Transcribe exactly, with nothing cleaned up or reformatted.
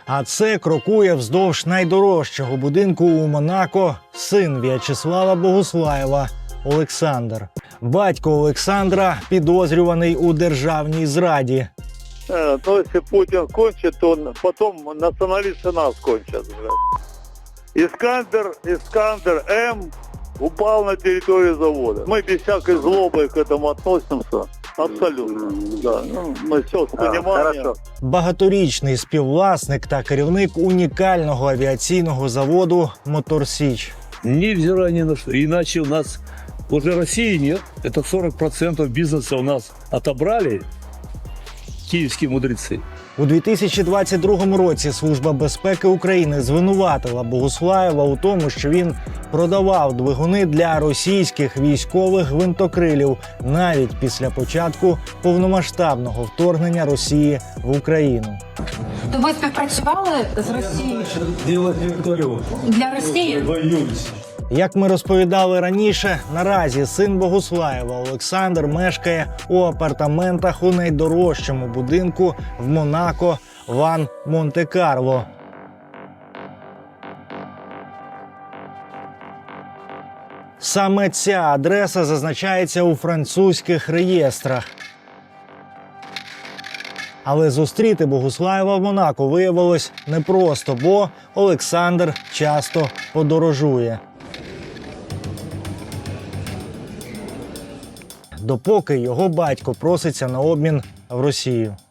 А це крокує вздовж найдорожчого будинку у Монако син В'ячеслава Богуслаєва Олександр. Батько Олександра підозрюваний у державній зраді. Э, Но если Путин кончит, то он потом националисты нас кончат. Блядь. Искандер, Искандер М упал на территорию завода. Мы без всякой злобы к этому относимся. Абсолютно. Да. Ну, мы все с пониманием. Багаторічний співвласник та керівник унікального авіаційного заводу «Мотор Січ». Невзирая ни на что. Иначе у нас уже России нет. Это сорок процентов бизнеса у нас отобрали киевские мудрецы. У дві тисячі двадцять другому році Служба безпеки України звинуватила Богуслаєва у тому, що він продавав двигуни для російських військових гвинтокрилів навіть після початку повномасштабного вторгнення Росії в Україну. То ви співпрацювали з Росією? Для Росії? Як ми розповідали раніше, наразі син Богуслаєва Олександр мешкає у апартаментах у найдорожчому будинку в Монако Ван Монте-Карло. Саме ця адреса зазначається у французьких реєстрах. Але зустріти Богуслаєва в Монако виявилось непросто, бо Олександр часто подорожує. Допоки його батько проситься на обмін в Росію.